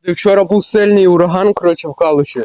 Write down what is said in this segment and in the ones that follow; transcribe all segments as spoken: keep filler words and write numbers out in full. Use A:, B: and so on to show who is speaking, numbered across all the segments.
A: Вчора був сильний ураган, коротше, в Калуші.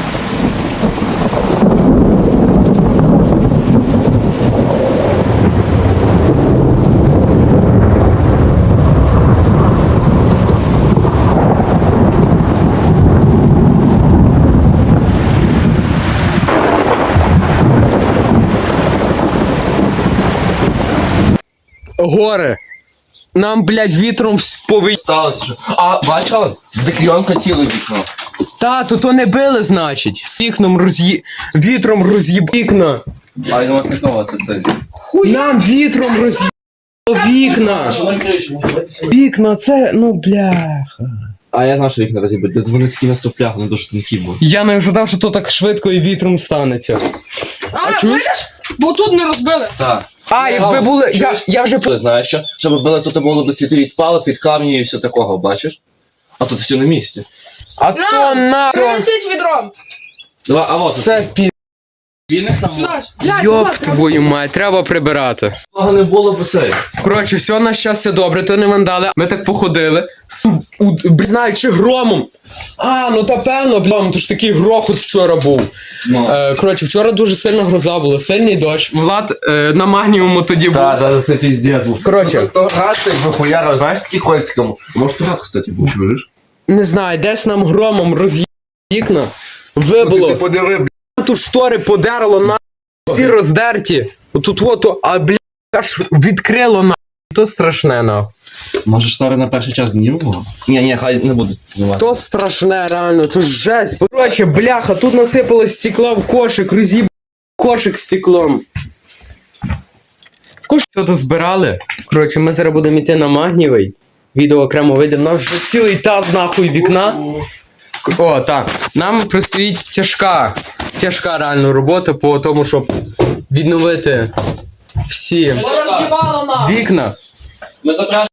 A: Гори. Нам, блядь, вітром повинні.
B: Сталося. А, бачила? Закльонка ціле вікно.
A: Та, то то не били, значить. З вікном роз'ї... Вітром роз'їб... Вікна.
B: А я думаю, це кого це це?
A: Нам вітром роз'їбало вікна. Вікна, це, ну, бляха.
B: А я знав, що вікна розіб'ють. Вони такі на соплях, не дуже тонкі були.
A: Я не ожидав, що то так швидко і вітром станеться.
C: А,
A: А чуєш?
C: видиш? Бо тут не розбили.
B: Так.
A: А, якби були... Я, я вже...
B: Ти знаєш що? Щоб було тут було б світи від палок, від камні і все такого, бачиш? А тут все на місці.
A: А то на...
C: Принесіть відро.
B: Давай, а вот.
A: Це пі...
B: Вільних там
A: Йоп твою мать, треба прибирати.
B: Того не було б цей.
A: Коротше, все на щастя добре, то не вандали. Ми так походили. С... У... б- Знаю, чи громом. А, ну та певно, блям, то ж такий грохот вчора був.
B: Ну.
A: Е, коротше, вчора дуже сильна гроза була, сильний дощ. Влад е, на магніуму тоді був.
B: Так, так, це піздець був.
A: Коротше.
B: То гад цей вихуярив, знаєш, такі кольцькому. Може, то гад, кстати, був, чуєш?
A: Не знаю, десь нам громом роз'їбало вікна. Вибило.
B: Ти подиви, бля.
A: Тут штори подерло на всі роздерті. Отут ото, а бля, аж відкрило на. То страшне нахуй.
B: Може, штори на перший час знімемо? Ні, ні, хай не будуть знімати.
A: То страшне, реально, то жесть. Короче, бляха, тут насипалось стекла в кошик, роз'їб кошик стеклом. В кошик що-то збирали. Коротше, ми зараз будемо йти на магнієвий. Відео окремо вийдемо. Нам вже цілий таз нахуй вікна. О, так. Нам предстоїть тяжка, тяжка реально робота по тому, щоб відновити всі
C: Роз'їбало нам.
A: вікна.
B: Ми запрашуємо.